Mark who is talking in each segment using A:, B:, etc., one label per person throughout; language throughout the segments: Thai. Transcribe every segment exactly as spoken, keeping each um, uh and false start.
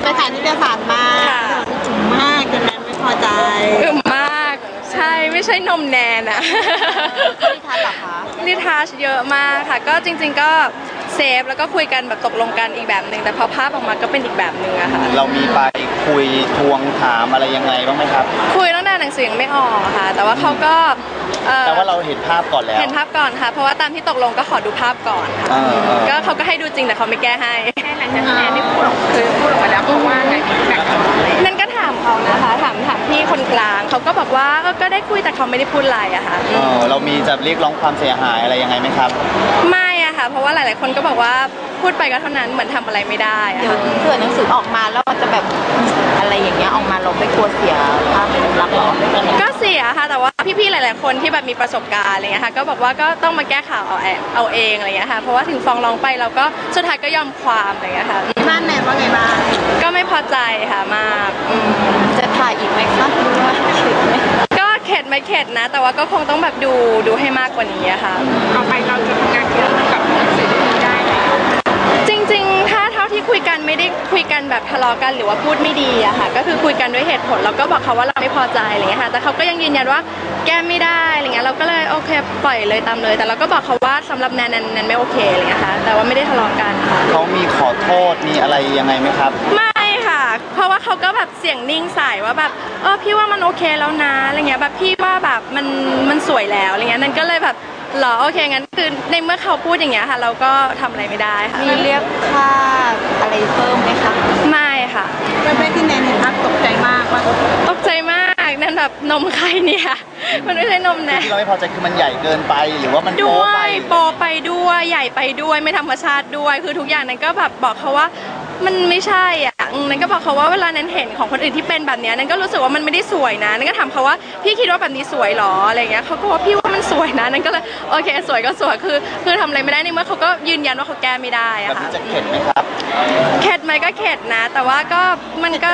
A: ถ่ายนิตยสารมาจุ๋มมากจนแนนไม่พอใจ
B: อึมมากใช่ไม่ใช่นมแนนอะ
A: นิทานหรอคะ
B: นิทานเยอะมากค่ะก็จริงๆก็เซฟแล้วก็คุยกันแบบตกลงกันอีกแบบหนึ่งแต่พอภาพออกมาก็เป็นอีกแบบหนึ่งอะค่ะ
C: เรามีไปคุยทวงถามอะไรยังไงบ้างไหมครับ
B: คุยตั้งแต่หนังสือยังไม่ออกค่ะแต่ว่าเขาก็
C: แต่ว่าเราเห็นภาพก่อนแล้ว
B: เห็นภาพก่อนค่ะเพราะว่าตามที่ตกลงก็ขอดูภาพก่อนค่ะก็เขาก็ให้ดูจริงแต่เขาไม่แก้ให้
A: แค่หลังจากที่แอนได้พูดออกคือพูดออกมาแล้วเพราะว่าไง
B: นั่นก็ถามเขานะคะถามถามพี่คนกลางเขาก็บอกว่าก็ได้คุยแต่เขาไม่ได้พูดอะไรอะค่ะ
C: เรามีจะเรียกร้องความเสียหายอะไรยังไงไหมครับ
B: ไม่อะค่ะเพราะว่าหลายๆคนก็บอกว่าพูดไปก็เท่านั้นเหมือนทำอะไรไม่ได้
A: เดี๋ยวเกิดหนังสือออกมาแล้วมันจะแบบอะไรอย่างเงี้ยออกมาเราไม่กลัวเสียภาพลักษณ์หรอ
B: ก็เสียค่ะแต่ว่าพี่ๆหลายๆคนที่แบบมีประสบการณ์อะไรเงี้ยค่ะก็บอกว่าก็ต้องมาแก้ข่าวเอาเอาเองอะไรเงี้ยค่ะเพราะว่าถึงฟ้องร้องไปเราก็สุดท้ายก็ยอมความอะไรเงี้ยค่ะ
A: บ้านแนนว่าไงบ้าง
B: ก็ไม่พอใจค่ะมาก
A: จะถ่ายอีกไหมคะหรือว่าเข็ดไหม
B: ก็เข็ดไม่เข็ดนะแต่ว่าก็คงต้องแบบดูดูให้มากกว่านี้ค่ะ
A: ต่อไปเราจะทำงานเกี่ยวกับหนังสือเล่มนี้ได้ไหม
B: จริงๆถ้าเท่าที่คุยกันไม่ได้คุยกันแบบทะเลาะกันหรือว่าพูดไม่ดีอะค่ะก็คือคุยกันด้วยเหตุผลเราก็บอกเขาว่าเราไม่พอใจอะไรเงี้ยค่ะแต่เขาก็ยังยืนยันว่าแก้ไม่ได้อะไรเงี้ยเราก็เลยโอเคปล่อยเลยตามเลยแต่เราก็บอกเขาว่าสำหรับแนนแนนไม่โอเคอะไรเงี้ยค่ะแต่ว่าไม่ได้ทะเลาะกันค่ะ
C: เขามีขอโทษมีอะไรยังไงไหมครับ
B: ไม่ค่ะเพราะว่าเขาก็แบบเสียงนิ่งใส่ว่าแบบเออพี่ว่ามันโอเคแล้วนะอะไรเงี้ยแบบพี่ว่าแบบมันมันสวยแล้วอะไรเงี้ยนั่นก็เลยแบบหรอโอเคงั้นคือในเมื่อเขาพูดอย่างเงี้ยค่ะเราก็ทำอะไรไม่ได้ค่ะ
A: มีเรียกค่าอะไรเพิ่มไหมคะ
B: ไม่ค่ะ
A: เป็นแม่ที่แนนเห็นภาพตกใจมากว่า
B: ตกใจมากนั่นแบบนมใครเนี่ยมันไม่ใช่นมแนน
C: ที่เราไม่พอใจคือมันใหญ่เกินไปหรือว่ามัน
B: โป๊ไปโปไปด้วยใหญ่ไปด้วยไม่ธรรมชาติด้วยคือทุกอย่างนั้นก็แบบบอกเขาว่ามันไม่ใช่อ่ะนั่นก็บอกเขาว่าเวลานั้นเห็นของคนอื่นที่เป็นแบบนี้นั่นก็รู้สึกว่ามันไม่ได้สวยนะนั่นก็ถามเขาว่าพี่คิดว่าแบบนี้สวยหรออะไรเงี้ยเขาก็ว่าพี่ว่ามันสวยนะนั่นก็เลยโอเคสวยก็สวยคือคือทำอะไรไม่ได้ในเมื่อเขาก็ยืนยันว่าเขาแก้ไม่ได้อะค่ะ
C: จะเข็ดไหมครับ
B: เข็ดไหมก็เข็ดนะแต่ว่าก็มันก็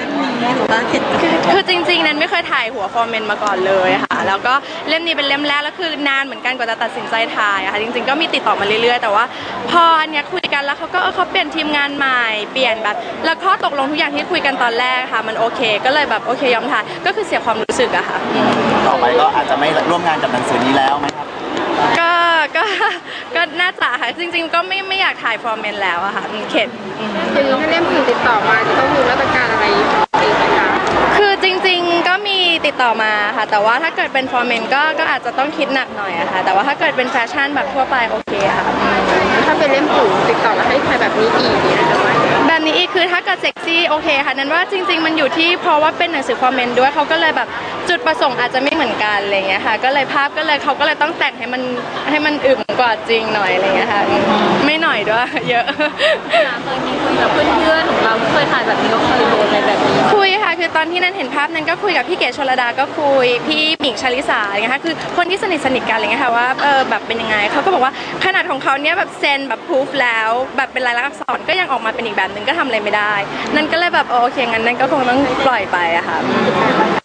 B: คือจริงๆนั้นไม่เคยถ่ายหัวฟอร์เมนมาก่อนเลยค่ะแล้วก็เล่มนี้เป็นเล่มแรกแล้วคือนานเหมือนกันกว่าจะตัดสินใจถ่ายอะค่ะจริงๆก็มีติดต่อมาเรื่อยๆแต่ว่าพออันเนี้ยคุยกันแล้วเขาก็เขาเปลี่ยนทีมงานใหม่เปลี่ยนแบบแล้วข้อตกลงทุกอย่างที่คุยกันตอนแรกค่ะมันโอเคก็เลยแบบโอเคยอมถ่ายก็คือเสียความรู้สึกอะค่ะ
C: ต่อไปก็อาจจะไม่ร่วมงานกับหนังสือนี้แล้วไหมครับ
B: ก็ก็ก็น่าจะค่ะจริงๆก็ไม่ไม่อยากถ่ายฟอร์เมนแล้วอะค่ะเข็ด
A: อย่างนี้ถ้าเล่มอื่นติดต่อมาจะต้องมีมาตรการอะไรอีกไหมคะ
B: คือจริงๆก็มีติดต่อมาค่ะแต่ว่าถ้าเกิดเป็นฟอร์เมนก็ก็อาจจะต้องคิดหนักหน่อยอะค่ะแต่ว่าถ้าเกิดเป็นแฟชั่นแบบทั่วไปโอเคค่ะ
A: ถ้าเป็นเล่มอื่นติดต่อมาให้ใครแบบนี้อีกเนี่ยจะไหม
B: แบบนี้อีกคือถ้าเกิดเซ็กซี่โอเคค่ะนั้นว่าจริงๆมันอยู่ที่เพราะว่าเป็นหนังสือฟอร์เมนด้วยเขาก็เลยแบบจุดประสงค์อาจจะไม่เหมือนกันอะไรเงี้ยค่ะก็เลยภาพก็เลยเขาก็เลยต้องแต่งให้มันให้มันอึมกว่าจริงหน่อยอะไรเงี้ยค่ะไม่หน่อยด้วยเยอะ
A: เคยมีคุยกับเพื่อนๆของเราเคยถ่ายแบบนี้ก็เคยโดนอะไรแบบนี้
B: คุยค่ะคือตอนที่นั้นเห็นภาพนั้นก็คุยกับพี่เก๋ชลดาก็คุยพี่หมิงชลิสาอะไรเงี้ยค่ะคือคนที่สนิทสนิทกันอะไรเงี้ยค่ะว่าเออแบบเป็นยังไงเขาก็บอกว่าขนาดของเขาเนี้ยแบบเซ็นแบบพูฟแล้วแบบเป็นลายลักษณ์อักษรก็ยังออกมาเป็นอีกแบบนึงก็ทำอะไรไม่ได้นั่นก็เลยแบบโอเคงั้นนั่นก็คงต้องปล่อยไปอะค่ะ